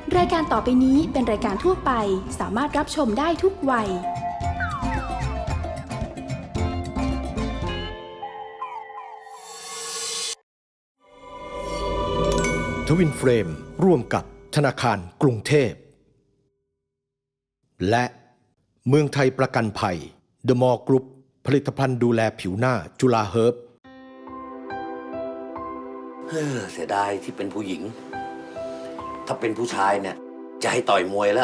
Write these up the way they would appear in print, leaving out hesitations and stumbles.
รายการต่อไปนี้เป็นรายการทั่วไปสามารถรับชมได้ทุกวัยทวินเฟรมร่วมกับธนาคารกรุงเทพและเมืองไทยประกันภัย The Mall Group ผลิตภัณฑ์ดูแลผิวหน้าจุฬาเฮิร์บเสียดายที่เป็นผู้หญิงถ้าเป็นผู้ชายเนี่ยจะให้ต่อยมวยแล้ว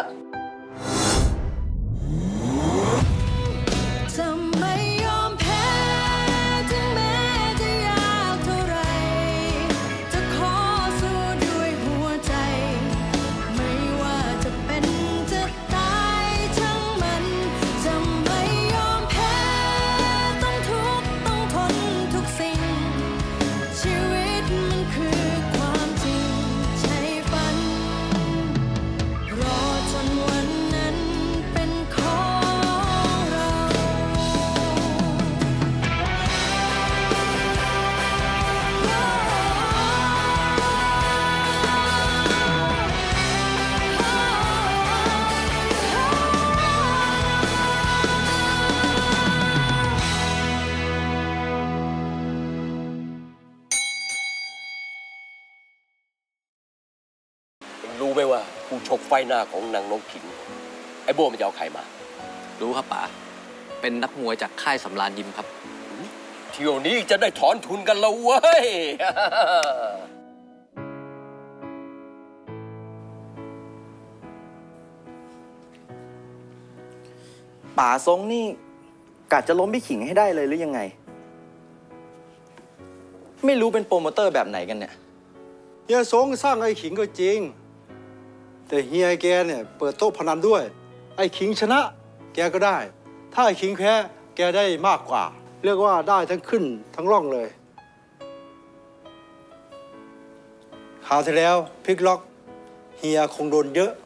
รู้ไหมว่าผู้ชกไฟหน้าของนางนกขิงไอ้โบ้มันจะเอาใครมารู้ครับป๋าเป็นนักมวยจากค่ายสำราญยิมครับเที่ยวนี้จะได้ถอนทุนกันแล้วเว้ยป๋าทรงนี่กะจะล้มพี่ขิงให้ได้เลยหรือยังไงไม่รู้เป็นโปรโมเตอร์แบบไหนกันเนี่ยเฮียสงสร้างไอ้ขิงก็จริงแต่เฮียแกเนี่ยเปิดโต๊ะพนันด้วยไอ้ขิงชนะแกก็ได้ถ้าไอ้ขิงแพ้แกได้มากกว่าเรียกว่าได้ทั้งขึ้นทั้งล่องเลยคราวที่แล้วพลิกล็อกเฮียคงโดนเยอะ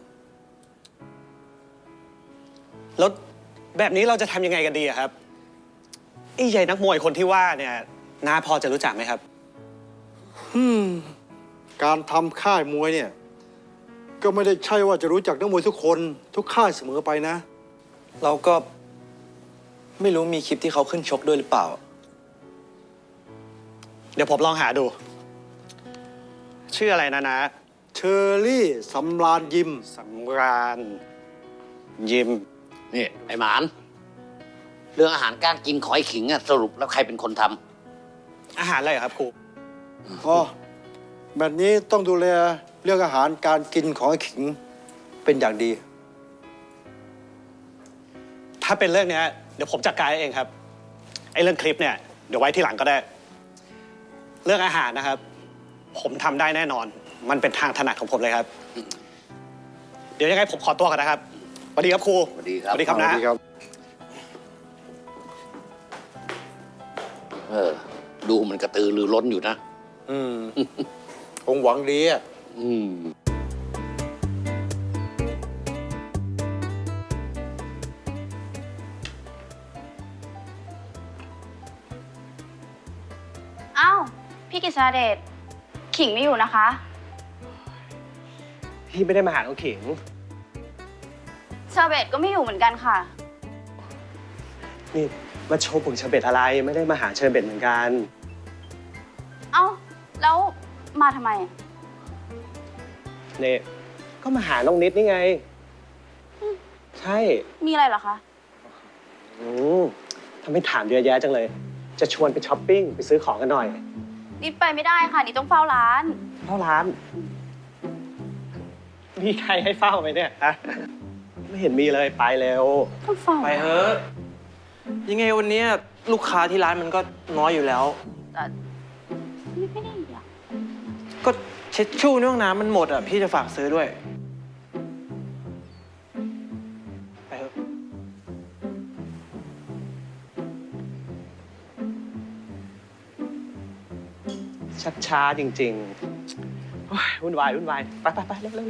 แล้วแบบนี้เราจะทำยังไงกันดีครับไอ้ใหญ่นักมวยคนที่ว่าเนี่ยน้าพอจะรู้จักไหมครับการทำค่ายมวยเนี่ยก็ไม่ได้ใช่ว่าจะรู้จักนักมวยทุกคนทุกค่ายเสมอไปนะเราก็ไม่รู้มีคลิปที่เขาขึ้นชกด้วยหรือเปล่าเดี๋ยวผมลองหาดูชื่ออะไรนะเชอรี่สำราญยิมสำราญยิมนี่ไอ้หมานเรื่องอาหารการกินของไอ้ขิงอะสรุปแล้วใครเป็นคนทำอาหารอะไรครับครูอ๋อแบบนี้ต้องดูแลเรื่องอาหารการกินของไอ้ขิงเป็นอย่างดีถ้าเป็นเรื่องนี้เดี๋ยวผมจัดการเองครับไอ้เรื่องคลิปเนี่ยเดี๋ยวไว้ที่หลังก็ได้เรื่องอาหารนะครับผมทำได้แน่นอนมันเป็นทางถนัดของผมเลยครับเดี๋ยวยังไงผมขอตัวก่อนนะครับสวัสดีครับครูสวัสดีครับสวัสดีครับนะดูมันกระตือรือร้นอยู่นะคงหวังดีอ่ะอ้าวพี่กฤษณเดชขิงไม่อยู่นะคะพี่ไม่ได้มาหาน้องขิงเชอร์เบตก็ไม่อยู่เหมือนกันค่ะนี่มาโชว์ผงเชอร์เบตอะไรไม่ได้มาหาเชอร์เบตเหมือนกันเอ้าแล้วมาทำไมเนี่ยก็มาหาน้องนิดนี่ไงใช่มีอะไรเหรอคะทำให้ถามเยอะแยะจังเลยจะชวนไปช้อปปิ้งไปซื้อของกันหน่อยนิดไปไม่ได้ค่ะนิดต้องเฝ้าร้านมีใครให้เฝ้าไหมเนี่ยฮะไม่เห็นมีเลยไปเร็วต้องเฝ้าไปเถอะยังไงวันนี้ลูกค้าที่ร้านมันก็น้อยอยู่แล้วแต่ไม่ได้อยากก็เช็ดชู่ในห้องน้ำมันหมดอ่ะพี่จะฝากซื้อด้วยไปเถอะชักช้าจริงๆวุ่นวายไปเร็ว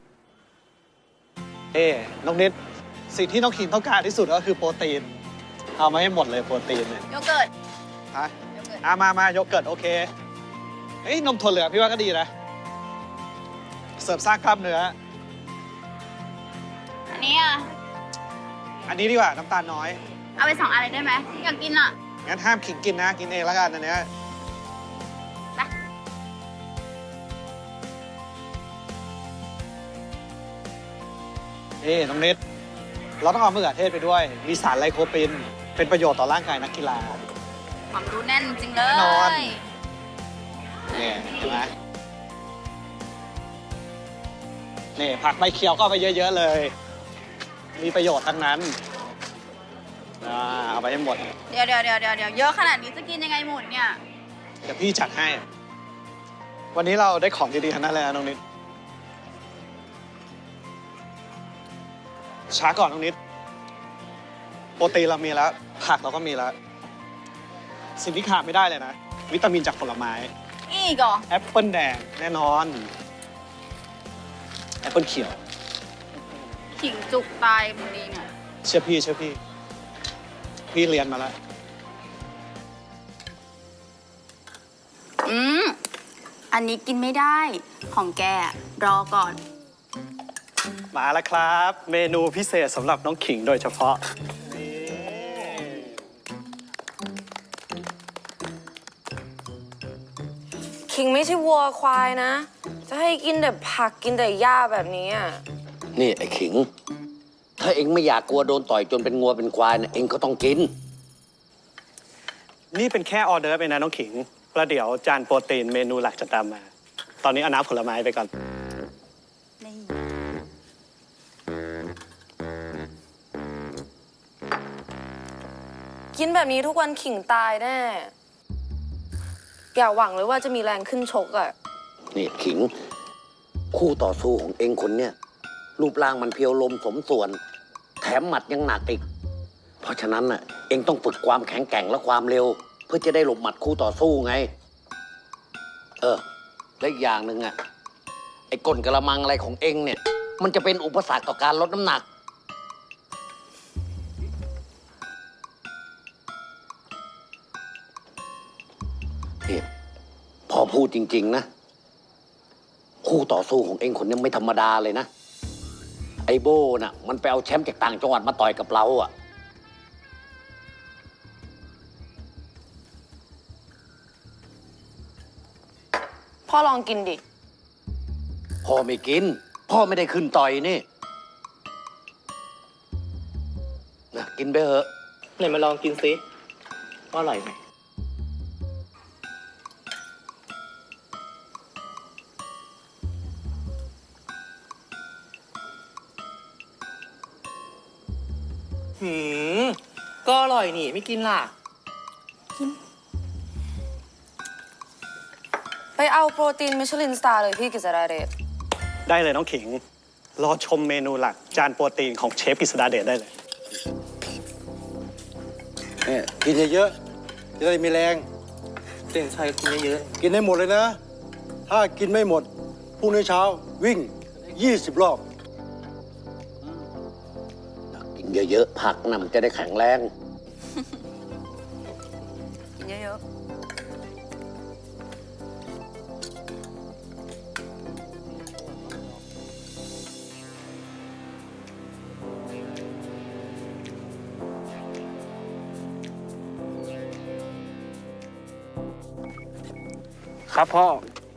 น้องนิด สิ่งที่น้องขิงต้องการที่สุดก็คือโปรตีนเอามาให้หมดเลยโปรตีนเนี่ยโยเกิร์ตฮะโยเกิร์ตมาโยเกิร์ตโอเคเอ้ยนมถั่วเหลืองพี่ว่าก็ดีนะ เสริมสร้างกล้ามเนื้ออันนี้อ่ะอันนี้ดีกว่าน้ำตาลน้อยเอาไป2 อันเลยได้ไหมอยากกินอ่ะงั้นห้ามขิงกินนะ กินเองแล้วกันอันเนี้ยไปน้องนิด เราต้องเอามะเขือเทศไปด้วย มีสารไลโคปีน เป็นประโยชน์ต่อร่างกายนักกีฬาความรู้แน่นจริงเลแน่นอนยเนี่ยเห็นไหมนี่ผักใบเขียวก็เอาไปเยอะๆเลย มีประโยชน์ทั้งนั้นเอาไปให้หมดเดี๋ยวเยอะขนาดนี้จะกินยังไงหมดเนี่ยเดี๋ยวพี่จัดให้ วันนี้เราได้ของดีๆทั้งนั้นเลยนะน้องนิด ช้าก่อนน้องนิด โปรตีนเรามีแล้ว ผักเราก็มีแล้ว สิ่งที่ขาดไม่ได้เลยนะ วิตามินจากผลไม้อีกเหรอแอปเปิลแดงแน่นอน แอปเปิลเขียวขิงจุกตายพอดีเนี่ยเชื่อพี่ พี่เรียนมาแล้วอันนี้กินไม่ได้ ของแกรอก่อนมาแล้วครับ เมนูพิเศษสำหรับน้องขิงโดยเฉพาะขิงไม่ใช่วัวควายนะ จะให้กินแต่ผักกินแต่หญ้าแบบนี้อ่ะนี่ไอ้ขิง ถ้าเองไม่อยากกลัวโดนต่อยจนเป็นงัวเป็นควายนะเองก็ต้องกินนี่เป็นแค่ออเดอร์ฟเองนะน้องขิงแล้วเดี๋ยวจานโปรตีนเมนูหลักจะตามมา ตอนนี้เอาน้ำผลไม้ไปก่อนกินแบบนี้ทุกวันขิงตายแน่ อย่าหวังเลยว่าจะมีแรงขึ้นชกอ่ะนี่ขิง คู่ต่อสู้ของเองคนเนี้ยรูปร่างมันเพียวลมสมส่วน แถมหมัดยังหนักอีก เพราะฉะนั้นน่ะเองต้องฝึกความแข็งแกร่งและความเร็ว เพื่อจะได้หลบหมัดคู่ต่อสู้ไง และอีกอย่างหนึ่งอ่ะไอ้ก้นกระมังอะไรของเองเนี่ย มันจะเป็นอุปสรรคต่อการลดน้ำหนัก นี่พอพูดจริงๆนะ คู่ต่อสู้ของเองคนนี้ไม่ธรรมดาเลยนะ ไอโบน่ะ มันไปเอาแชมป์จากต่างจังหวัดมาต่อยกับเราอ่ะพ่อลองกินดิพ่อไม่กิน พ่อไม่ได้ขึ้นต่อยนี่นะกินไปเถอะไหนมาลองกินซิว่าอร่อยไหมก็อร่อยนี่ ไม่กินล่ะไปเอาโปรตีนมิชลินสตาร์เลยพี่กิษดาเดชได้เลยน้องขิง รอชมเมนูหลัก จานโปรตีนของเชฟกฤษดาเดชได้เลยเนี่ยกินเยอะๆจะได้มีแรงเต่งชัยกินเยอะกินให้หมดเลยนะ ถ้ากินไม่หมดพรุ่งนี้เช้าวิ่ง 20 รอบกินเยอะๆผักนะมันจะได้แข็งแรงกินเยอะครับพ่อ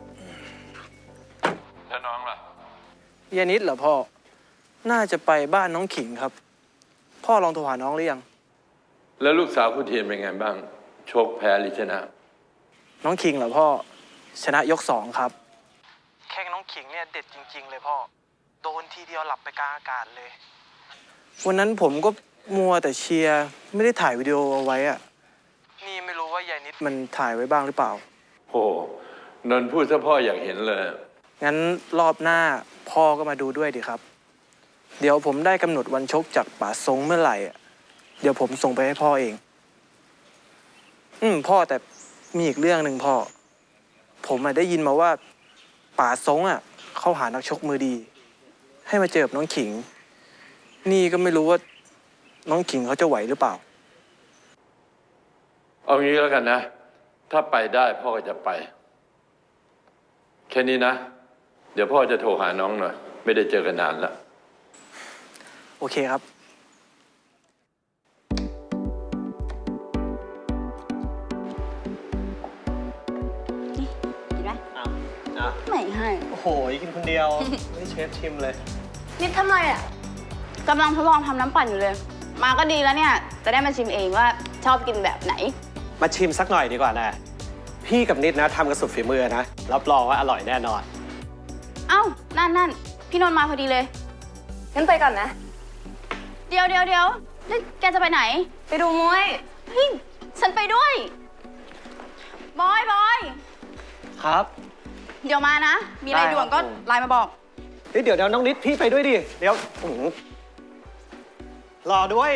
แล้วน้องล่ะยานิดเหรอพ่อ น่าจะไปบ้านน้องขิงครับ พ่อลองโทรหาน้องหรือยังแล้วลูกสาวคุณเทียนเป็นไงบ้าง โชคแพ้หรือชนะน้องขิงเหรอพ่อ ชนะยก 2 ครับ แข้งน้องขิงเนี่ยเด็ดจริง ๆ เลยพ่อ โดนทีเดียวหลับไปกลางอากาศเลย วันนั้นผมก็มัวแต่เชียร์ไม่ได้ถ่ายวิดีโอเอาไว้อะนี่ไม่รู้ว่ายายนิดมันถ่ายไว้บ้างหรือเปล่าโอ้นนท์พูดซะพ่ออยากเห็นเลยงั้นรอบหน้าพ่อก็มาดูด้วยดีครับ เดี๋ยวผมได้กำหนดวันชกจากป๋าทรงเมื่อไหร่อะเดี๋ยวผมส่งไปให้พ่อเองพ่อแต่มีอีกเรื่องหนึ่งพ่อ ผมได้ยินมาว่าป๋าทรงเขาหานักชกมือดี ให้มาเจอกับน้องขิง นี่ก็ไม่รู้ว่าน้องขิงเขาจะไหวหรือเปล่าเอางี้แล้วกันนะ ถ้าไปได้พ่อก็จะไป แค่นี้นะ เดี๋ยวพ่อจะโทรหาน้องหน่อย ไม่ได้เจอกันนานแล้วโอเคครับกินไหมอ่ะไม่ให้โอ้โหกินคนเดียว ไม่เชฟชิมเลยนิดทำไรอ่ะกำลังทดลองทำน้ำปั่นอยู่เลย มาก็ดีแล้วเนี่ย จะได้มาชิมเองว่าชอบกินแบบไหนมาชิมสักหน่อยดีกว่านะ พี่กับนิดนะทำกันสุดฝีมือนะ รับรองว่าอร่อยแน่นอนเอ้า นั่น พี่นนท์มาพอดีเลยงั้นไปก่อนนะเดี๋ยวแล้วแกจะไปไหนไปดูมวยเฮ้ย ฉันไปด้วย บอยครับเดี๋ยวมานะ มีอะไรได้ครับด่วนก็ผมไลน์มาบอกเดี๋ยวน้องนิดพี่ไปด้วยดิ เดี๋ยวรอด้วย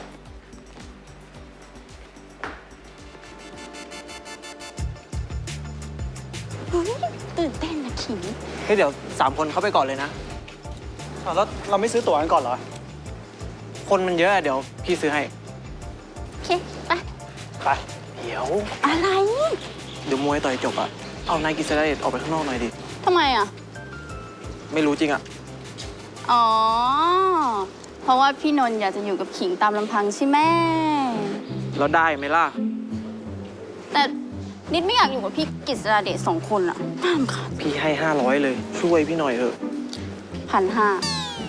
ตื่นเต้นนะขิงเฮ้ยเดี๋ยว3 คนเข้าไปก่อนเลยนะแล้วเราไม่ซื้อตั๋วกันก่อนเหรอคนมันเยอะอะเดี๋ยวพี่ซื้อให้โอเค ไปไปเดี๋ยวอะไรเดี๋ยวมวยต่อยจบอะเอานายกิษณเดชออกไปข้างนอกหน่อยดิทำไมอ่ะไม่รู้จริงอะอ๋อ เพราะว่าพี่นนท์อยากจะอยู่กับขิงตามลำพังใช่ไหมแล้วได้ไหมล่ะแต่นิดไม่อยากอยู่กับพี่กฤษณเดช2 คนอ่ะน่ารำคาญพี่ให้500เลยช่วยพี่หน่อยเถอะ 1,500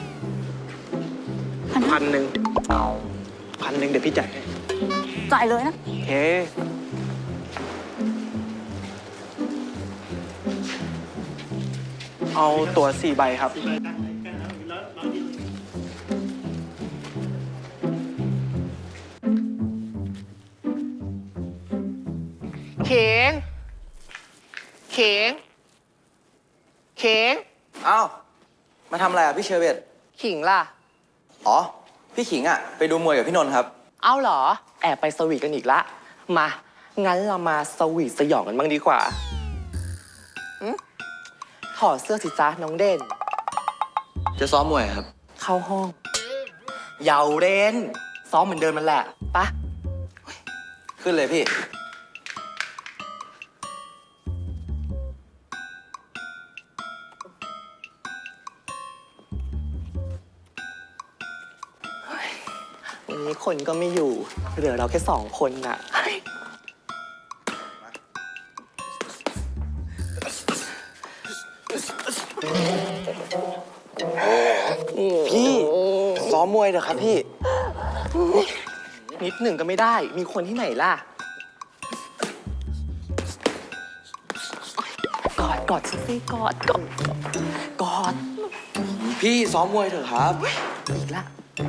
1,000เดี๋ยวพี่จ่ายให้จ่ายเลยนะโอเค เอาตั๋ว4 ใบครับเข็งเข็งเข็งอ้าว มาทำอะไรอ่ะพี่เชอร์เบตขิงล่ะอ๋อ พี่ขิงอ่ะ ไปดูมวยกับพี่นนท์ครับเอ้าเหรอ แอบไปสวีทกันอีกละ มา งั้นเรามาสวีทสยองกันบ้างดีกว่าถอดเสื้อสิจ้าน้องเด่นจะซ้อมมวยครับเข้าห้องเยาเด่นซ้อมเหมือนเดิมมันแหละปะขึ้นเลยพี่วันนี้คนก็ไม่อยู่ เหลือเราแค่2 คนน่ะพี่ซ้อมมวยเถอะครับพี่นิดหนึ่งก็ไม่ได้ มีคนที่ไหนล่ะ กอดฉันสิกอดพี่ซ้อมมวยเถอะครับอีกละ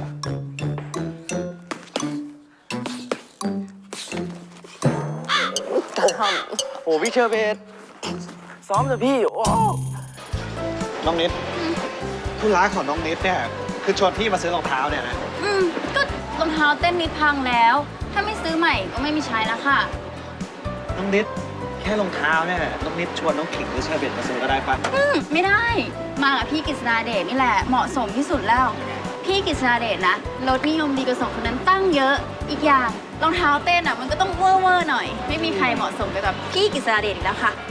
โอ้พี่เชอร์เบตซ้อมเถอะพี่ โอ้น้องนิดธุระของน้องนิดเนี่ยคือชวนพี่มาซื้อรองเท้าเนี่ยนะก็รองเท้าเต้นนิดพังแล้ว ถ้าไม่ซื้อใหม่ก็ไม่มีใช้แล้วค่ะน้องนิดแค่รองเท้าเนี่ยน้องนิดชวนน้องขิงหรือเชอร์เบตมาซื้อก็ได้ปะไม่ได้ มากับพี่กฤษณเดชนี่แหละ เหมาะสมที่สุดแล้ว พี่กฤษณเดชนะรสนิยมดีกว่า2 คนนั้นตั้งเยอะ อีกอย่างรองเท้าเต้นอ่ะมันก็ต้องเวอร์หน่อย ไม่มีใครเหมาะสมไปกับพี่กฤษณเดชอีกแล้วค่ะ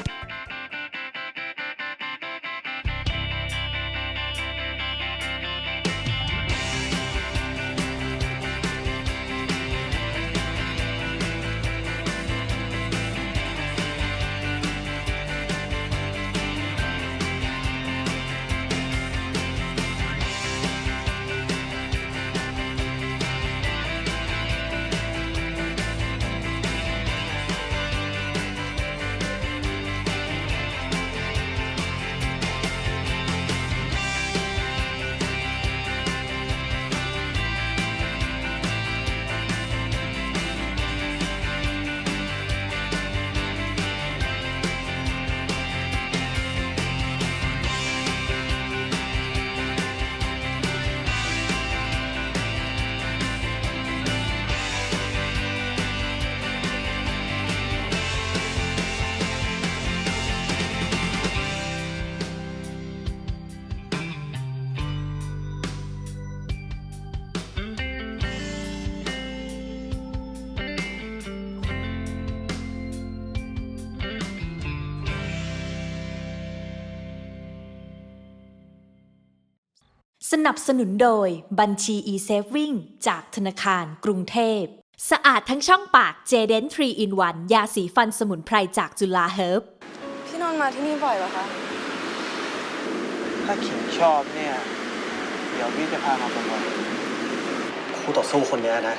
สนับสนุนโดยบัญชี e-saving จากธนาคารกรุงเทพสะอาดทั้งช่องปาก J-Dent 3-in-1 ยาสีฟันสมุนไพรจากจุฬาเฮิร์บพี่นนท์มาที่นี่บ่อยเหรอคะถ้าขิงชอบเนี่ย เดี๋ยวพี่จะพามาบ่อยคู่ต่อสู้คนเนี้ยนะ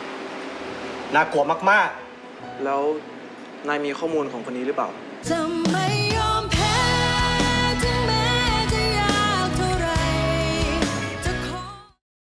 น่ากลัวมากๆแล้วนายมีข้อมูลของคนนี้หรือเปล่าทำ